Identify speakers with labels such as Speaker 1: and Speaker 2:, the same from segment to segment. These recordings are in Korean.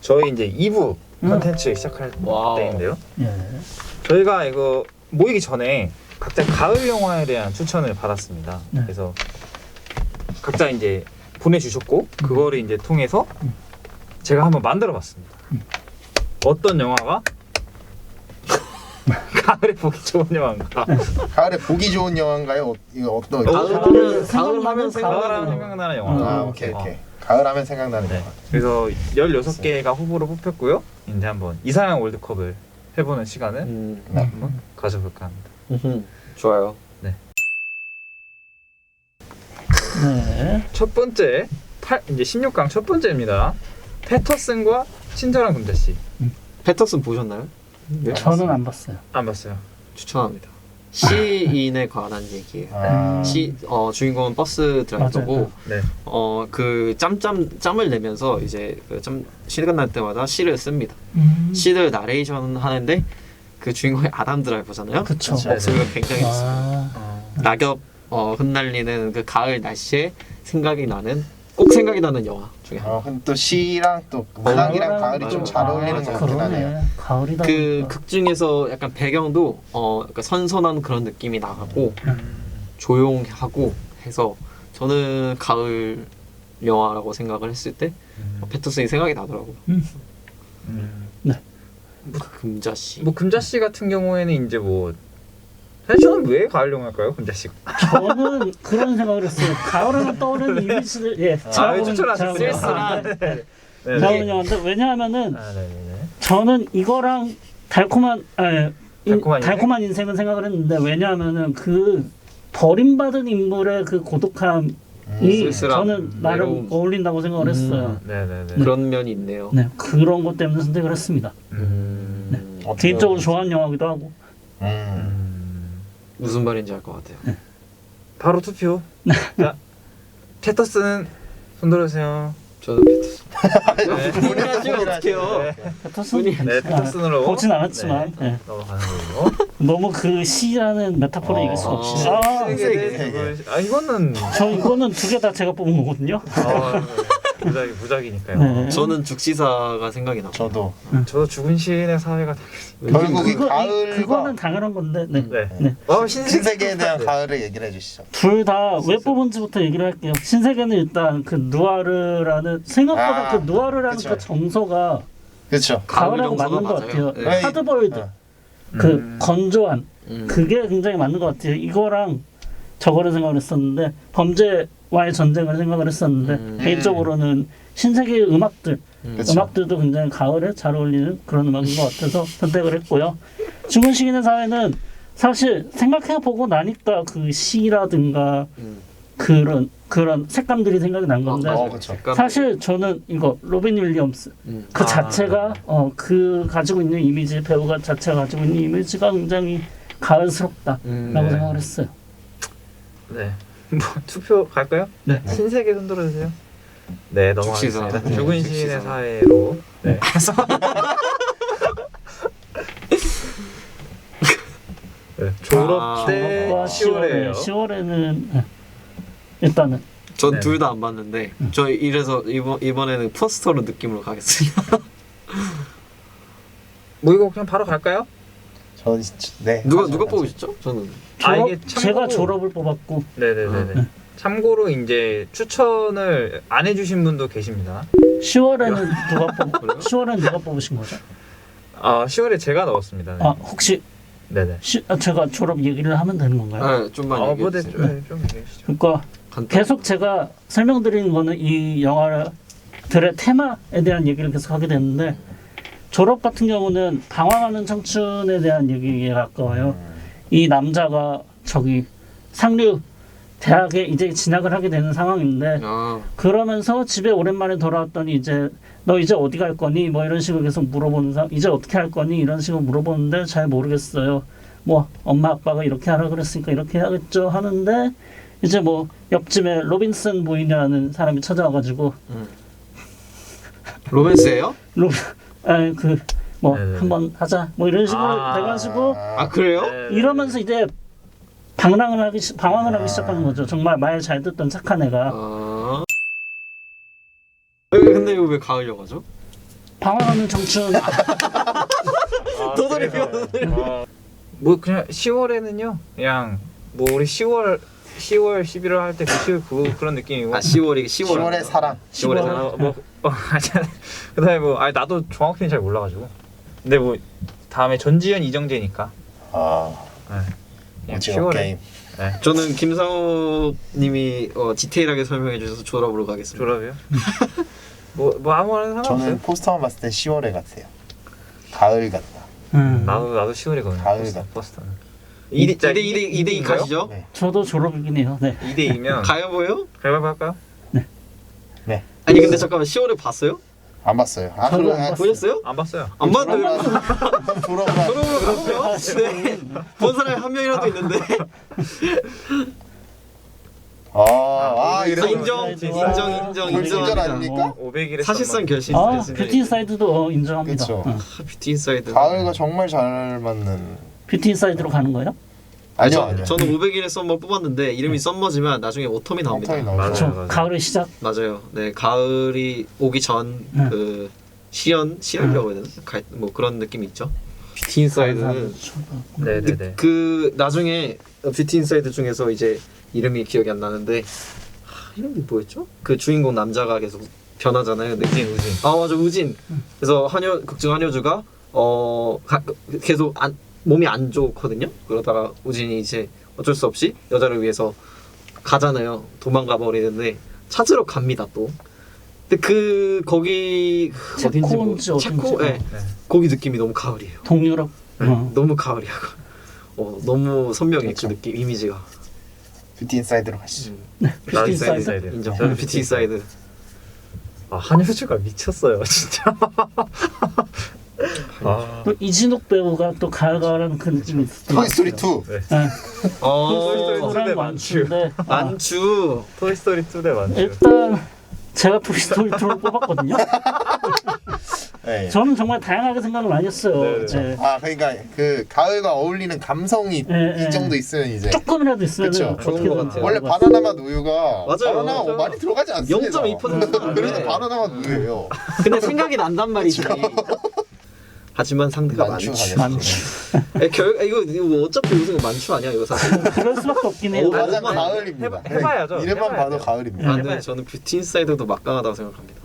Speaker 1: 저희 이제 2부 컨텐츠 시작할 때인데요.
Speaker 2: 예.
Speaker 1: 저희가 이거 모이기 전에 각자 가을 영화에 대한 추천을 받았습니다.
Speaker 2: 네.
Speaker 1: 그래서 각자 이제 보내주셨고 그거를 이제 통해서 제가 한번 만들어봤습니다. 어떤 영화가 가을에 보기 좋은 영화인가?
Speaker 3: 가을에 보기 좋은 영화인가요? 이거 어떤?
Speaker 2: 가을 하면
Speaker 1: 생각나는 영화.
Speaker 3: 아 오케이. 가을 하면 생각나는
Speaker 1: 네.
Speaker 3: 영화.
Speaker 1: 그래서 16개가 후보로 뽑혔고요. 이제 한번 이상형 월드컵을 해보는 시간을 한번 가져볼까 합니다.
Speaker 4: 좋아요.
Speaker 1: 네.
Speaker 2: 네.
Speaker 1: 첫 번째 이제 16강 첫 번째입니다. 패터슨과 친절한 금자씨.
Speaker 4: 패터슨 보셨나요? 네?
Speaker 2: 저는 안 봤어요.
Speaker 1: 안 봤어요.
Speaker 4: 추천합니다. 시인에 관한 얘기예요. 주인공은 버스 드라이버고
Speaker 1: 네.
Speaker 4: 그 짬을 내면서 이제 시간 날 때마다 시를 씁니다. 시를 나레이션 하는데 그 주인공이 아담 드라이버잖아요.
Speaker 2: 그쵸.
Speaker 4: 목소리가 굉장히 좋습니다.
Speaker 2: 아,
Speaker 4: 낙엽 흩날리는 그 가을 날씨에 꼭 생각이 나는 영화 중에 하나.
Speaker 3: 근데 또 시랑 또 문학이랑 가을이 좀 잘 어울리는 것 같긴 하네요.
Speaker 2: 그러네. 가을이다.
Speaker 4: 그 극 중에서 약간 배경도 약간 선선한 그런 느낌이 나고 조용하고 해서 저는 가을 영화라고 생각을 했을 때 패터슨이 생각이 나더라고요.
Speaker 2: 네.
Speaker 4: 금자씨.
Speaker 1: 뭐 금자씨 같은 경우에는 이제 뭐 사실 저는 왜 가을 영화일까요, 금자씨가?
Speaker 2: 저는 그런 생각을 했어요. 가을하면 떠오르는 이미지를
Speaker 1: 추천하셨어요.
Speaker 4: 쓸쓸한.
Speaker 2: 가을 영화인데 왜냐하면은
Speaker 1: 네네네.
Speaker 2: 저는 이거랑 달콤한
Speaker 1: 달콤한
Speaker 2: 인생은 생각을 했는데 왜냐하면은 그 버림받은 인물의 그 고독함이
Speaker 4: 쓸쓸함,
Speaker 2: 저는 나름
Speaker 4: 외로움.
Speaker 2: 어울린다고 생각을 했어요.
Speaker 1: 네네네.
Speaker 4: 그런 면이 있네요.
Speaker 2: 네, 그런 것 때문에 선택을 했습니다. 개인적으로 좋아하는 영화기도 하고.
Speaker 4: 무슨 말인지 알 것 같아요.
Speaker 1: 바로 투표. 자, 패터슨 손 들어주세요.
Speaker 4: 저는 패터슨.
Speaker 1: 네.
Speaker 4: 본인 하시면 어떡해요.
Speaker 2: 패터슨?
Speaker 1: 네, 패터슨으로
Speaker 2: 보진 않았지만
Speaker 1: 네,
Speaker 2: 네.
Speaker 1: 넘어가는 거고.
Speaker 2: 너무 그 시라는 메타포를 이길 수가 없이.
Speaker 1: 이거는
Speaker 2: 저 이거는 두 개 다 제가 뽑은 거거든요.
Speaker 1: 무작이니까요.
Speaker 2: 네.
Speaker 4: 저는 죽시사가 생각이 나요.
Speaker 3: 저도
Speaker 1: 저도 죽은 시인의 사회가
Speaker 3: 결국 이 가을과
Speaker 2: 그거는 당연한 건데. 네.
Speaker 1: 네.
Speaker 3: 신세계에 대한 가을을 얘기를 해주시죠.
Speaker 2: 둘 다 왜 뽑은지부터 얘기를 할게요. 신세계는 일단 그 누아르라는 생각보다 그 누아르라는
Speaker 3: 그쵸.
Speaker 2: 그 정서가
Speaker 3: 그렇죠.
Speaker 2: 가을하고
Speaker 4: 정서가
Speaker 2: 맞는 것
Speaker 4: 맞아요.
Speaker 2: 같아요.
Speaker 4: 네.
Speaker 2: 하드보일드 그 건조한
Speaker 4: 음.
Speaker 2: 그게 굉장히 맞는 것 같아요. 이거랑 저거를 생각을 했었는데 범죄와의 전쟁을 생각을 했었는데 개인적으로는 신세계의 음악들
Speaker 3: 그쵸.
Speaker 2: 음악들도 굉장히 가을에 잘 어울리는 그런 음악인 것 같아서 선택을 했고요. 죽은 시인의 사회는 사실 생각해보고 나니까 그 시라든가 그런 색감들이 생각이 난 건데
Speaker 3: 그쵸.
Speaker 2: 사실 저는 이거 로빈 윌리엄스 그 자체가 그 가지고 있는 이미지 배우가 자체가 가지고 있는 이미지가 굉장히 가을스럽다라고 생각을 했어요.
Speaker 1: 네. 뭐 투표 갈까요?
Speaker 2: 네.
Speaker 1: 신세계 손 들어주세요. 네, 넘어가겠습니다.
Speaker 4: 죽시사.
Speaker 1: 죽은 시인의 사회로. 네. 네. 졸업 때
Speaker 2: 졸업과
Speaker 1: 10월에요.
Speaker 2: 10월에는 일단은
Speaker 4: 전
Speaker 1: 네.
Speaker 4: 둘 다 안 봤는데 저 이래서 이번에는 포스터로 느낌으로 가겠습니다.
Speaker 1: 뭐 이거 그냥 바로 갈까요?
Speaker 3: 네.
Speaker 4: 누가 뽑으셨죠? 저는
Speaker 1: 이게
Speaker 2: 제가
Speaker 1: 참고로-
Speaker 2: 졸업을 뽑았고
Speaker 1: 네네네네. 참고로 이제 추천을 안 해주신 분도 계십니다.
Speaker 2: 10월에는 누가 뽑으신 거죠?
Speaker 1: 10월에 제가 넣었습니다. 네.
Speaker 2: 혹시
Speaker 1: 네네.
Speaker 2: 제가 졸업 얘기를 하면 되는 건가요?
Speaker 4: 네, 좀만
Speaker 1: 뭐
Speaker 4: 얘기해
Speaker 1: 네,
Speaker 4: 주세요.
Speaker 1: 좀 얘기해 주시죠.
Speaker 2: 그러니까 계속 제가 설명드리는 거는 이 영화들의 테마에 대한 얘기를 계속 하게 됐는데 졸업 같은 경우는 방황하는 청춘에 대한 얘기에 가까워요. 이 남자가 상류 대학에 이제 진학을 하게 되는 상황인데 그러면서 집에 오랜만에 돌아왔더니 너 이제 어디 갈 거니? 뭐 이런 식으로 계속 물어보는 이제 어떻게 할 거니? 이런 식으로 물어보는데 잘 모르겠어요. 뭐 엄마 아빠가 이렇게 하라 그랬으니까 이렇게 해야겠죠 하는데 이제 뭐 옆집에 로빈슨 부인이라는 사람이 찾아와가지고
Speaker 4: 로맨스예요?
Speaker 1: 네네네.
Speaker 2: 한번 하자 뭐 이런 식으로 돼가지고
Speaker 4: 그래요?
Speaker 2: 이러면서 이제 방황을 하기 시작하는 거죠. 정말 말 잘 듣던 착한 애가.
Speaker 4: 근데 이거 왜 가을 영화죠?
Speaker 2: 방황하는 청춘.
Speaker 4: 도돌이
Speaker 1: 뭐 그냥 10월에는요. 그냥 뭐 우리 10월 11월 할 때 그런 느낌이고.
Speaker 4: 10월이
Speaker 3: 10월의 사랑.
Speaker 4: 10월에
Speaker 1: 그다음에 뭐 아니 나도 정확히는 잘 몰라가지고. 근데 뭐 다음에 전지현 이정재니까.
Speaker 3: 아,
Speaker 1: 그냥
Speaker 3: 오징어
Speaker 1: 10월에.
Speaker 3: 게임.
Speaker 1: 네.
Speaker 4: 저는 김상호님이 디테일하게 설명해 주셔서 졸업으로 가겠습니다.
Speaker 1: 졸업이요? 뭐 아무거나 상관없어요.
Speaker 3: 저는 포스터만 봤을 때 10월에 같아요. 가을 같다.
Speaker 1: 나도 10월이거든요.
Speaker 3: 가을
Speaker 1: 버스터는.
Speaker 4: 2대2 가시죠?
Speaker 3: 네.
Speaker 2: 저도 졸업이긴 해요. 네.
Speaker 1: 2대2면
Speaker 4: 가요 보여요?
Speaker 1: 가위바위보 할까요?
Speaker 3: 네.
Speaker 4: 아니 근데 잠깐만 10월에 봤어요?
Speaker 3: 안 봤어요. 아,
Speaker 2: 저도
Speaker 3: 그럼
Speaker 2: 안 봤어요.
Speaker 4: 보셨어요?
Speaker 1: 안 봤어요.
Speaker 4: 안 봤는데
Speaker 3: 부러워라.
Speaker 4: 졸업으로 가세요? 네. 본 사람이 한 명이라도 있는데
Speaker 3: 이래서
Speaker 4: 인정
Speaker 3: 골든전 아닙니까?
Speaker 1: 500일에
Speaker 4: 사실상 결심
Speaker 2: 뷰티 인사이드도 인정합니다.
Speaker 3: 그쵸.
Speaker 4: 뷰티 인사이드
Speaker 3: 가을과 정말 잘 맞는.
Speaker 2: 뷰티 인사이드로 가는 거예요?
Speaker 3: 아니요.
Speaker 4: 저는 500일에 썸머 뽑았는데 이름이 썸머지만 나중에 오텀이 나옵니다.
Speaker 3: 오텀이 나오죠.
Speaker 2: 그렇죠.
Speaker 1: 맞아요.
Speaker 2: 가을의 시작.
Speaker 4: 맞아요. 네, 가을이 오기 전 그 시연이라고 해야 되나? 뭐 그런 느낌이 있죠. 뷰티 인사이드는
Speaker 1: 네네네.
Speaker 4: 그 나중에 뷰티 인사이드 중에서 이제 이름이 기억이 안 나는데 이름이 뭐였죠? 그 주인공 남자가 계속 변하잖아요.
Speaker 1: 우진.
Speaker 4: 아 맞아 우진. 그래서 극중 한효주가 계속 몸이 안 좋거든요. 그러다가 우진이 이제 어쩔 수 없이 여자를 위해서 가잖아요. 도망가 버리는데 찾으러 갑니다 또. 근데 거기
Speaker 2: 체코인지 어딘지.
Speaker 4: 체코, 네. 거기 느낌이 너무 가을이에요.
Speaker 2: 동유럽.
Speaker 4: 너무 가을이야. 너무 선명해
Speaker 3: 그렇죠.
Speaker 4: 그 느낌 이미지가.
Speaker 3: 뷰티 인사이드로 가시죠.
Speaker 1: 나도
Speaker 2: 뷰티 인사이드.
Speaker 1: 인사이드.
Speaker 4: 인정.
Speaker 1: 저는
Speaker 4: 뷰티 인사이드.
Speaker 1: 한효주가 미쳤어요 진짜.
Speaker 2: 또 이진욱 배우가 또 가을가을한 그 느낌이 있었던 것
Speaker 3: 토이스토리
Speaker 2: 같아요.
Speaker 3: 2.
Speaker 1: 네.
Speaker 2: 네.
Speaker 1: 토이스토리
Speaker 2: 토이스토리랑
Speaker 1: 네,
Speaker 2: 만추인데
Speaker 4: 만추.
Speaker 1: 토이스토리 2대 만주.
Speaker 2: 일단 제가 토이스토리 2를 뽑았거든요.
Speaker 3: 네.
Speaker 2: 저는 정말 다양하게 생각을 많이 했어요.
Speaker 1: 네,
Speaker 2: 네.
Speaker 3: 그러니까 그 가을과 어울리는 감성이
Speaker 2: 네.
Speaker 3: 이 정도 있으면 이제
Speaker 2: 조금이라도 있으면
Speaker 3: 그쵸.
Speaker 2: 어떻게든
Speaker 4: 좋은 것 같아요.
Speaker 3: 원래 바나나 맛 우유가
Speaker 4: 맞아요.
Speaker 3: 바나나
Speaker 4: 맞아요.
Speaker 3: 많이 들어가지 않습니다.
Speaker 4: 0.2%.
Speaker 3: 그래도
Speaker 4: 네.
Speaker 3: 바나나 맛 우유예요.
Speaker 4: 근데 생각이 난단 말이지. 하지만 상대가
Speaker 3: 만추
Speaker 4: 만추.
Speaker 3: 가겠습니다.
Speaker 4: 이거 어차피 우승은 만추 아니야 이거 사실.
Speaker 2: 그럴 수밖에 없긴 해요.
Speaker 3: 맞아,
Speaker 4: 해봐야죠.
Speaker 3: 가을입니다.
Speaker 1: 해봐야죠.
Speaker 3: 이름만
Speaker 1: 해봐야
Speaker 3: 봐도
Speaker 1: 돼요.
Speaker 3: 가을입니다.
Speaker 4: 아, 근데 저는 뷰티 인사이드도 막강하다고 생각합니다.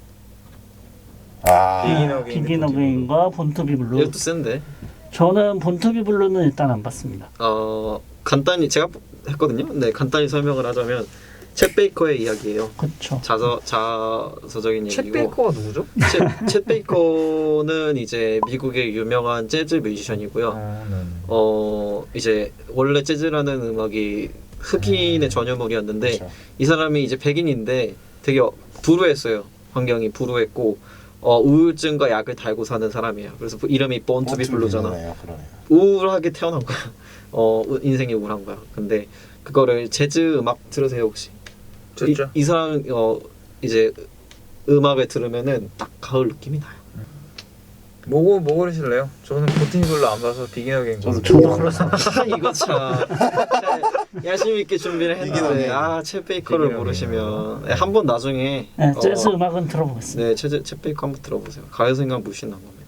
Speaker 2: 비긴 어게인과 본투비 블루.
Speaker 4: 이것도 센데.
Speaker 2: 저는 본투비 블루는 일단 안 봤습니다.
Speaker 4: 간단히 제가 했거든요. 네, 간단히 설명을 하자면 챗 베이커의 이야기예요.
Speaker 2: 그렇죠.
Speaker 4: 자서적인
Speaker 1: 챗
Speaker 4: 얘기고.
Speaker 1: 베이커가 누구죠?
Speaker 4: 챗 베이커는 이제 미국의 유명한 재즈 뮤지션이고요. 이제 원래 재즈라는 음악이 흑인의 전유물이었는데
Speaker 3: 그렇죠.
Speaker 4: 이 사람이 이제 백인인데 되게 불우했어요. 환경이 불우했고 우울증과 약을 달고 사는 사람이에요. 그래서 이름이 Born to be Blue잖아.
Speaker 3: 그러네요.
Speaker 4: 우울하게 태어난 거야. 인생이 우울한 거야. 근데 그거를 재즈 음악 들으세요 혹시?
Speaker 1: 듣죠.
Speaker 4: 이 사람 이제 음악을 들으면은 딱 가을 느낌이 나요.
Speaker 1: 뭐 고르실래요? 저는 보티니 별로 안 봐서 비긴 어게인
Speaker 3: 저도
Speaker 1: 그렇습니다.
Speaker 4: 이거 참 열심히 있게 준비를 했는데 챗 베이커를
Speaker 1: 비긴
Speaker 4: 모르시면 한번 나중에
Speaker 2: 네, 재즈 음악은 들어보겠습니다.
Speaker 4: 네 챗 베이커 한번 들어보세요. 가을 생각 무신한 겁니다.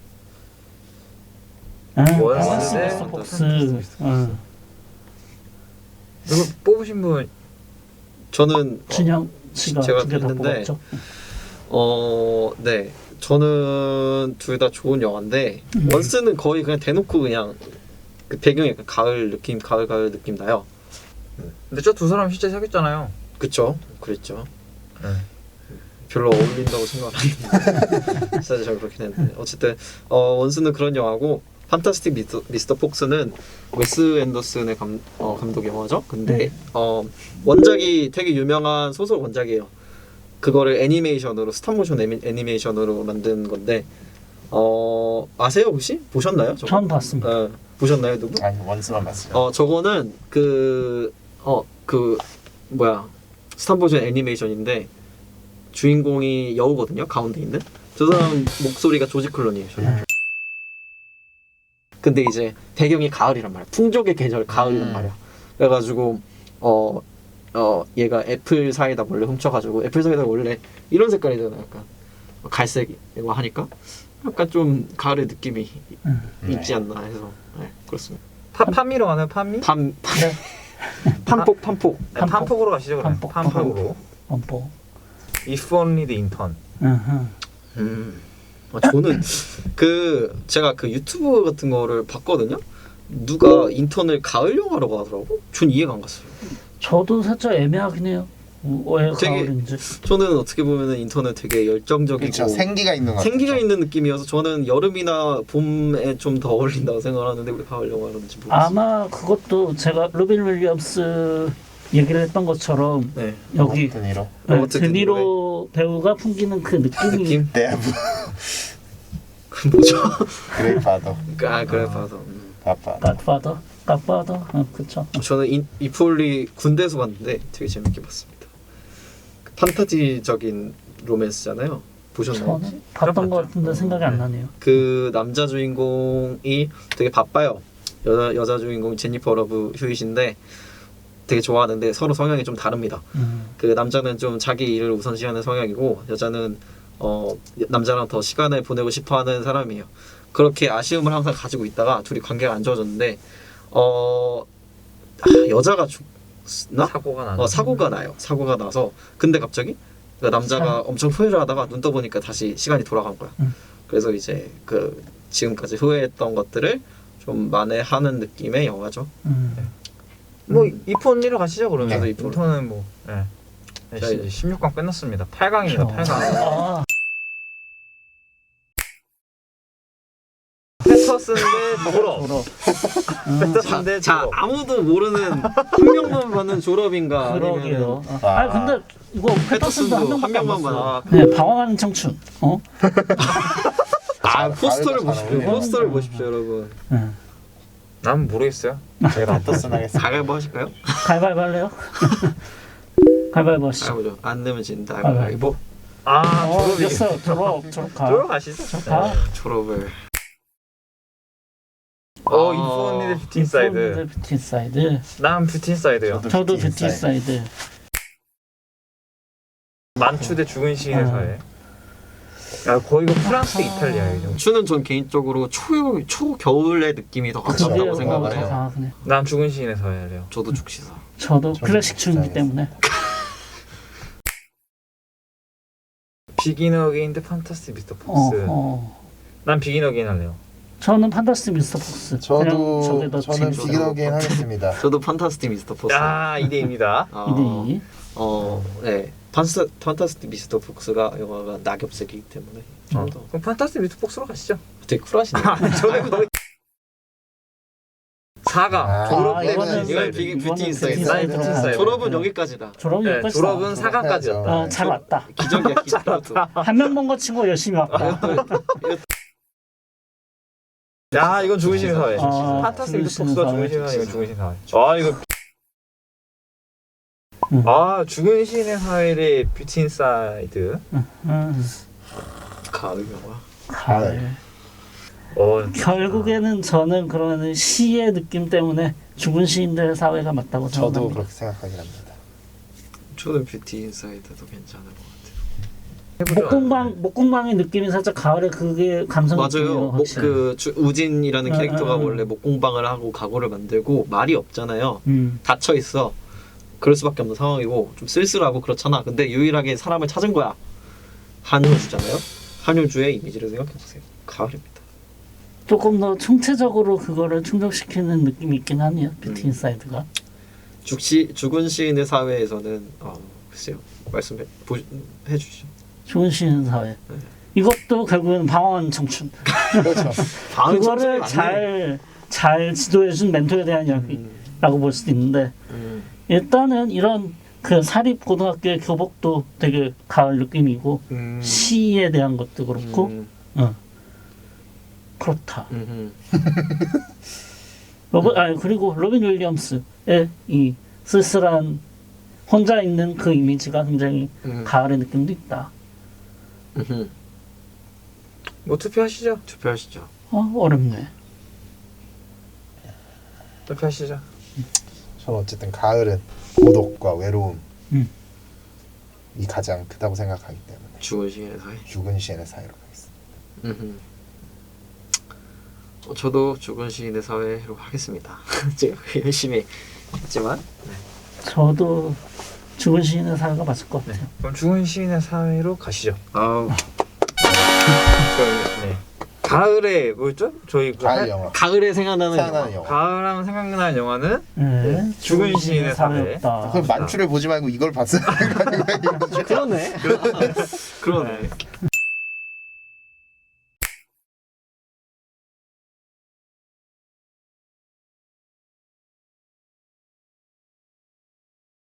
Speaker 1: 원스 대
Speaker 2: 미스터 폭스.
Speaker 1: 누구 뽑으신 분?
Speaker 4: 저는
Speaker 2: 준영 씨가
Speaker 4: 제가
Speaker 2: 두 개 다
Speaker 4: 했는데,
Speaker 2: 뽑았죠.
Speaker 4: 네 저는 둘 다 좋은 영화인데 원스는 거의 그냥 대놓고 그냥 그 배경이 약간 가을 느낌 가을 느낌 나요.
Speaker 1: 근데 저 두 사람 실제 사귀었잖아요.
Speaker 4: 그쵸? 그랬죠.
Speaker 1: 네.
Speaker 4: 별로 어울린다고 생각 안 했는데 사실 잘 그렇긴 했는데 어쨌든 원스는 그런 영화고 판타스틱 미스터 폭스는 웨스 앤더슨의 감독 영화죠. 근데 원작이 되게 유명한 소설 원작이에요. 그거를 애니메이션으로 스탑모션 애니메이션으로 만든 건데 아세요 혹시? 보셨나요? 저거?
Speaker 2: 전 봤습니다.
Speaker 4: 보셨나요 누구?
Speaker 3: 아니 원스만 봤어요.
Speaker 4: 저거는 그 뭐야 스탑모션 애니메이션인데 주인공이 여우거든요. 가운데 있는 저 사람 목소리가 조지 클론이에요. 근데 이제 배경이 가을이란 말이야. 풍족의 계절 가을이란 말이야. 그래가지고 얘가 애플 사이다 원래 훔쳐가지고 애플 사이다 원래 이런 색깔이잖아. 약간 갈색이고 하니까 약간 좀 가을의 느낌이 있지
Speaker 3: 네.
Speaker 4: 않나 해서 네, 그렇습니다.
Speaker 1: 파미로 가나요? 파미?
Speaker 4: 판폭
Speaker 1: 네, 판폭으로 가시죠 그럼.
Speaker 2: 판폭.
Speaker 1: 판폭으로.
Speaker 2: 뭐.
Speaker 1: If only the intern.
Speaker 4: 저는 제가 그 유튜브 같은 거를 봤거든요. 누가 인턴을 가을 영화라고 하더라고. 전 이해가 안 갔어요.
Speaker 2: 저도 살짝 애매하긴 해요. 왜
Speaker 4: 되게
Speaker 2: 가을인지.
Speaker 4: 저는 어떻게 보면은 인턴은 되게 열정적이고
Speaker 3: 그렇죠. 생기가 있는 것 같아요.
Speaker 4: 생기가 있는 느낌이어서 저는 여름이나 봄에 좀 더 어울린다고 생각하는데 왜 가을 영화라는지 모르겠어요.
Speaker 2: 아마 그것도 제가 로빈 윌리엄스 얘기를 했던 것처럼
Speaker 4: 네.
Speaker 2: 여기
Speaker 3: 드니로.
Speaker 4: 로버트
Speaker 2: 드니로 배우가 풍기는 그 느낌이
Speaker 4: 느낌?
Speaker 3: 데브.
Speaker 4: 뭐죠?
Speaker 3: 그레이파더.
Speaker 4: 그래 봐서.
Speaker 3: 아빠.
Speaker 2: 갓파더, 그쵸.
Speaker 4: 저는 이폴리 군대에서 봤는데 되게 재밌게 봤습니다. 그 판타지적인 로맨스잖아요. 보셨나요?
Speaker 2: 저는 봤던 것 같은데 생각이 안 나네요.
Speaker 4: 그 남자 주인공이 되게 바빠요. 여자 주인공 제니퍼 러브 휴잇인데 되게 좋아하는데 서로 성향이 좀 다릅니다. 그 남자는 좀 자기 일을 우선시하는 성향이고 여자는 남자랑 더 시간을 보내고 싶어하는 사람이에요. 그렇게 아쉬움을 항상 가지고 있다가 둘이 관계가 안 좋아졌는데 여자가 죽나? 사고가 나요. 사고가 나서 근데 갑자기 그 남자가 엄청 후회를 하다가 눈 떠보니까 다시 시간이 돌아간 거야. 그래서 이제 그 지금까지 후회했던 것들을 좀 만회하는 느낌의 영화죠.
Speaker 1: 뭐 if only로 가시죠 그러면.
Speaker 4: 저도 if only.
Speaker 1: 인턴은 뭐. 네.
Speaker 4: 자,
Speaker 1: 이제 16강 끝났습니다. 8강입니다. 8강.
Speaker 2: 아,
Speaker 1: 패터슨 대 졸업.
Speaker 2: 졸업.
Speaker 1: 패터슨 대
Speaker 4: 자
Speaker 1: 졸업.
Speaker 4: 아무도 모르는 한 명만 받는 졸업인가
Speaker 2: 그러게요.
Speaker 4: 아니면
Speaker 2: 아 근데 이거 패터슨도 한
Speaker 4: 한
Speaker 2: 명밖에 안
Speaker 4: 명만
Speaker 2: 봤어요.
Speaker 4: 받아.
Speaker 2: 네, 방황하는 청춘.
Speaker 4: 포스터를
Speaker 3: 가을과 잘
Speaker 4: 보십시오.
Speaker 3: 어울리네.
Speaker 4: 포스터를 보십시오, 여러분.
Speaker 1: 난 모르겠어요.
Speaker 3: 제가 패터슨 하겠습니다.
Speaker 4: 가위바위보 하실까요?
Speaker 2: 가위바위보 할래요? 가위바위보 하시죠.
Speaker 4: 가위바위보. 안 내면 진다.
Speaker 2: 가위바위보.
Speaker 4: 가위바위보.
Speaker 1: 졸업이.
Speaker 2: 됐어. 졸업 가.
Speaker 1: 졸업 가시죠.
Speaker 2: 졸업 가.
Speaker 4: 졸업을.
Speaker 1: if only the 뷰티 인사이드.
Speaker 2: 뷰티 인사이드.
Speaker 1: 난 뷰티 인사이드요.
Speaker 2: 저도 뷰티 인사이드.
Speaker 1: 만추 대 죽은 시인의 사회. 야 거의 이거 프랑스 대 이탈리아예요.
Speaker 4: 추는 전 개인적으로 초겨울의 느낌이 더 가깝다고 생각을
Speaker 2: 더
Speaker 4: 해요.
Speaker 2: 강하네.
Speaker 1: 난 죽은 시인의 사회 할래요.
Speaker 4: 저도 죽시사.
Speaker 2: 저도 클래식 추이기 때문에.
Speaker 1: 비긴 어게인 대 판타스틱 미스터 폭스. 난 비긴 어게인 할래요.
Speaker 2: 저는 판타스틱 미스터 폭스.
Speaker 3: 저는
Speaker 2: 재밌어요.
Speaker 3: 비긴 어게인 하겠습니다.
Speaker 4: 저도 판타스틱 미스터 포스.
Speaker 1: 야 2대2입니다.
Speaker 2: 2대2.
Speaker 4: 네. 판타스틱 미스터 폭스가 영화가 낙엽색이기 때문에 좀 더
Speaker 1: 그럼 판타스틱 미스터 폭스로 가시죠.
Speaker 4: 되게 쿨하시네요.
Speaker 1: 저는 거의 4강 졸업 대
Speaker 3: 이거는-
Speaker 1: 뷰티
Speaker 4: 이건
Speaker 1: 인사이드.
Speaker 4: 뷰티 인사이드.
Speaker 1: 나의 뷰티 인사이드.
Speaker 4: 졸업은 여기까지다.
Speaker 2: 졸업은
Speaker 1: 네,
Speaker 2: 여기까지.
Speaker 1: 졸업은 4강까지였다.
Speaker 2: 잘 왔다.
Speaker 4: 기적이야 기적.
Speaker 2: 한 명 먼 거 치고 열심히 왔다.
Speaker 1: 야 이건 죽은 시인의 사회.
Speaker 2: 아,
Speaker 1: 판타스틱 미스터
Speaker 2: 죽은
Speaker 1: 폭스가
Speaker 2: 시인의
Speaker 1: 죽은 시인의 사회. 이건
Speaker 4: 사회.
Speaker 1: 죽은 시인의 사회. 아 이거. 죽은 시인의 사회 대 뷰티 인사이드.
Speaker 4: 가을 영화.
Speaker 2: 가을. 결국에는 저는 그러면 시의 느낌 때문에 죽은 시인들의 사회가 맞다고
Speaker 3: 저도
Speaker 2: 생각합니다.
Speaker 3: 그렇게 생각하긴 합니다.
Speaker 4: 저는 뷰티 인사이드도 괜찮은 것 같아요.
Speaker 2: 목공방의 느낌이 살짝 가을에 그게 감성
Speaker 4: 맞아요.
Speaker 2: 느낌이에요.
Speaker 4: 우진이라는 캐릭터가 원래 목공방을 하고 가구를 만들고 말이 없잖아요. 닫혀 있어. 그럴 수밖에 없는 상황이고 좀 쓸쓸하고 그렇잖아. 근데 유일하게 사람을 찾은 거야. 한효주잖아요. 한효주의 이미지를 생각해 보세요. 가을입니다.
Speaker 2: 조금 더 총체적으로 그거를 충족시키는 느낌이 있긴 하네요. 뷰티 인사이드가.
Speaker 4: 죽은 시인의 사회에서는 글쎄요. 말씀해 주시죠.
Speaker 2: 죽은 시인 사회. 이것도 결국은 방황하는 청춘.
Speaker 3: 그렇죠.
Speaker 2: 그거를 잘 지도해준 멘토에 대한 이야기라고 볼 수도 있는데 일단은 이런 그 사립 고등학교의 교복도 되게 가을 느낌이고 시에 대한 것도 그렇고 그렇다. 그리고 로빈 윌리엄스의 이 쓸쓸한 혼자 있는 그 이미지가 굉장히 가을의 느낌도 있다.
Speaker 1: 뭐 투표하시죠.
Speaker 4: 투표하시죠.
Speaker 2: 어렵네.
Speaker 1: 투표하시죠.
Speaker 3: 저는 어쨌든 가을은 고독과 외로움. 가장 크다고 생각하기 때문에
Speaker 4: 죽은 시인의 사회.
Speaker 3: 죽은 시인의 사회로 가겠습니다.
Speaker 4: 저도 죽은 시인의 사회로 하겠습니다. 제가 열심히 했지만
Speaker 2: 저도 죽은 시인의 사회가 맞을 것 같아요.
Speaker 1: 그럼 죽은 시인의 사회로 가시죠.
Speaker 4: 아우
Speaker 1: 네. 가을에 뭐였죠? 저희 그
Speaker 3: 가을 영화.
Speaker 4: 가을에 생각나는
Speaker 3: 생각나는
Speaker 4: 영화.
Speaker 3: 영화.
Speaker 1: 가을하면 생각나는 영화는
Speaker 2: 네.
Speaker 1: 죽은 시인의 사회.
Speaker 2: 사회였다.
Speaker 3: 그럼 만추를 보지 말고 이걸 봤어야 되는 거 아닌가요?
Speaker 4: 그러네. 그러네.